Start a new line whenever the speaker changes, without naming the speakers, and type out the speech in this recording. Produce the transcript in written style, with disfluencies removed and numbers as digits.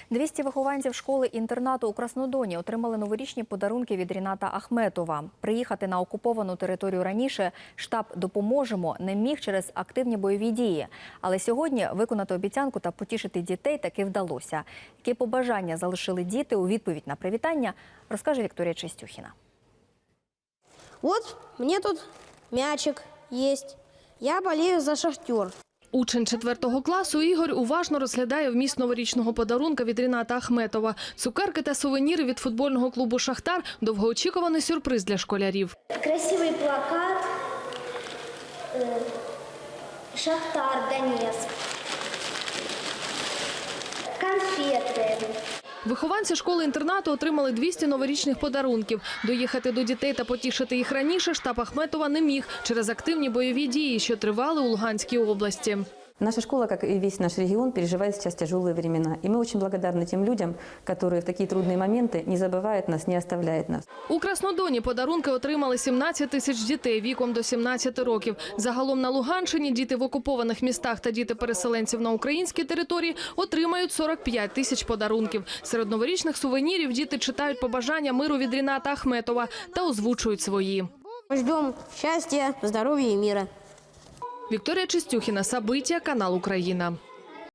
200 вихованців школи-інтернату у Краснодоні отримали новорічні подарунки від Ріната Ахметова. Приїхати на окуповану територію раніше штаб «Допоможемо» не міг через активні бойові дії. Але сьогодні виконати обіцянку та потішити дітей таки вдалося. Які побажання залишили діти у відповідь на привітання, розкаже Вікторія Чистюхіна.
Вот мне тут мячик есть. Я болею за «Шахтер».
Учень 4 класу Ігор уважно розглядає вміст новорічного подарунка від Ріната Ахметова. Цукерки та сувеніри від футбольного клубу «Шахтар» – довгоочікуваний сюрприз для школярів.
Красивий плакат «Шахтар Донецк», конфети.
Вихованці школи-інтернату отримали 200 новорічних подарунків. Доїхати до дітей та потішити їх раніше штаб Ахметова не міг через активні бойові дії, що тривали у Луганській області.
Наша школа, как и весь наш регион, переживает сейчас тяжелые времена. И мы очень благодарны тем людям, которые в такие трудные моменты не забывают нас, не оставляют нас.
У Краснодоні подарунки отримали 17 тисяч дітей віком до 17 років. Загалом на Луганщині діти в окупованих містах та діти переселенців на українській території отримають 45 тисяч подарунків. Серед новорічних сувенірів діти читають побажання миру від Ріната Ахметова та озвучують свої.
Ждем счастья, здоровья и мира.
Вікторія Чистюхіна, Сабиття, канал Україна.